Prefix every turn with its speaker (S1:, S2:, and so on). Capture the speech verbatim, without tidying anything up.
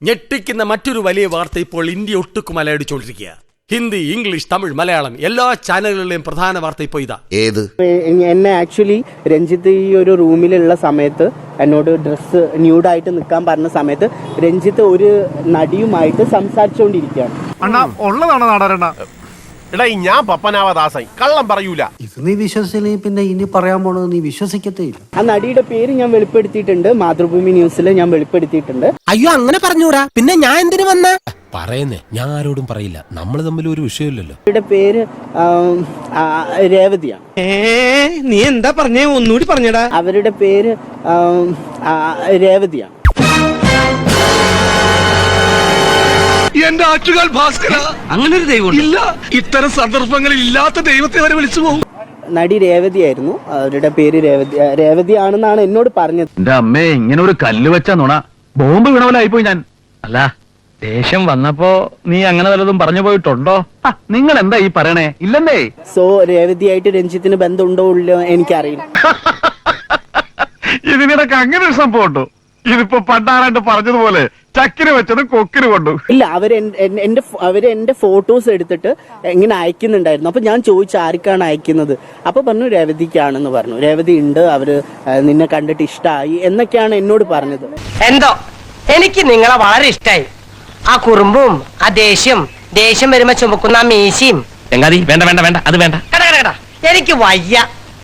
S1: ഞെട്ടിക്കുന്ന മറ്റൊരു വലിയ വാർത്ത ഇപ്പോൾ ഇന്ത്യ ഒട്ടുക്കും അലയടിച്ചുകൊണ്ടിരിക്കുക. ഹിന്ദി, ഇംഗ്ലീഷ്, തമിഴ്, മലയാളം എല്ലാ ചാനലുകളിലെയും പ്രധാന വാർത്ത ഇപ്പോൾ ഇതാ.
S2: ഏത്?
S3: എന്നെ ആക്ച്വലി രഞ്ജിത്ത് ഈ ഒരു റൂമിലുള്ള സമയത്ത് എന്നോട് ഡ്രസ്സ് ന്യൂഡായിട്ട് നിൽക്കാൻ പറഞ്ഞ സമയത്ത് രഞ്ജിത്ത് ഒരു നടിയുമായിട്ട് സംസാരിച്ചുകൊണ്ടിരിക്കുകയാണ്.
S4: അണ്ണാ ഉള്ളതാണോ നാടാരണ്ണ?
S5: എടാ ഞാൻ പപ്പനാവദാസായി കള്ളം പറയൂല.
S6: ഇത് നീ വിശ്വസിച്ചില്ലെങ്കിൽ പിന്നെ ഇനി പറയാൻ പോണത് നീ വിശ്വസിക്കത്തേ ഇല്ല.
S3: ആ നടിയുടെ പേര് ഞാൻ വെളിപ്പെടുത്തിയിട്ടുണ്ട്, മാതൃഭൂമി ന്യൂസിൽ ഞാൻ വെളിപ്പെടുത്തിയിട്ടുണ്ട്.
S7: അയ്യോ അങ്ങനെ പറഞ്ഞൂടാ, പിന്നെ ഞാൻ എന്തിനു വന്ന പറയുന്നേ? ഞാൻ ആരോടും പറയില്ല, നമ്മൾ തമ്മിൽ ഒരു വിഷയമില്ലല്ലോ.
S3: നടിയുടെ പേര് രേവതിയാണ്.
S7: നീ എന്താ പറഞ്ഞേ? ഒന്നുകൂടി പറഞ്ഞടാ.
S3: അവരുടെ പേര് രേവതിയാണ്.
S4: എന്റെ ആറ്റുകാൽ ഭാസ്കര, അങ്ങനെ ഒരു ദൈവം ഇല്ല. ഇത്തരം സന്ദർഭങ്ങളിൽ ഇല്ലാത്ത ദൈവത്തെ വരെ വിളിച്ചു പോകും.
S3: നടി രേവതിയായിരുന്നു, അവരുടെ പേര് രേവതി രേവതിയാണെന്നാണ് എന്നോട് പറഞ്ഞത്.
S8: എന്റെ അമ്മേ, ഇങ്ങനെ ഒരു കല്ല് വെച്ച നുണ ബോംബ് വീണവലായിപ്പോയി ഞാൻ. അല്ല, ദേഷ്യം വന്നപ്പോ നീ അങ്ങനെ വല്ലതും പറഞ്ഞു പോയിട്ടുണ്ടോ? നിങ്ങൾ എന്താ ഈ പറയണേ? ഇല്ലെന്നേ.
S3: സോ രേവതിയായിട്ട് രഞ്ജിത്തിന് ബന്ധമുണ്ടോ ഇല്ലോ എനിക്കറിയില്ല.
S8: ഇതിനിടക്ക് അങ്ങനെ ഒരു സംഭവം ഉണ്ടോ? ഇതിപ്പോ പണ്ടാരാണ്ട് പറഞ്ഞതുപോലെ ചക്കിന് വെച്ചത് കൊക്കിന് കൊണ്ടു.
S3: ഇല്ല, അവര് എന്റെ അവര് എന്റെ ഫോട്ടോസ് എടുത്തിട്ട് ഇങ്ങനെ അയക്കുന്നുണ്ടായിരുന്നു. അപ്പൊ ഞാൻ ചോദിച്ചു ആർക്കാണ് അയക്കുന്നത്. അപ്പൊ പറഞ്ഞു രേവതിക്കാണെന്ന് പറഞ്ഞു. രേവതി ഉണ്ട്, അവര് നിന്നെ കണ്ടിട്ട് ഇഷ്ടമായി എന്നൊക്കെയാണ് എന്നോട് പറഞ്ഞത്.
S9: എന്തോ എനിക്ക് നിങ്ങളെ വളരെ ഇഷ്ടായി. ആ കുറുമ്പും ആ ദേഷ്യം ദേഷ്യം വരുമ്പോ ചുമക്കുന്ന ആ മീശയും.
S7: വേണ്ട വേണ്ട വേണ്ട, അത് വേണ്ട.
S9: എനിക്ക് വയ്യ.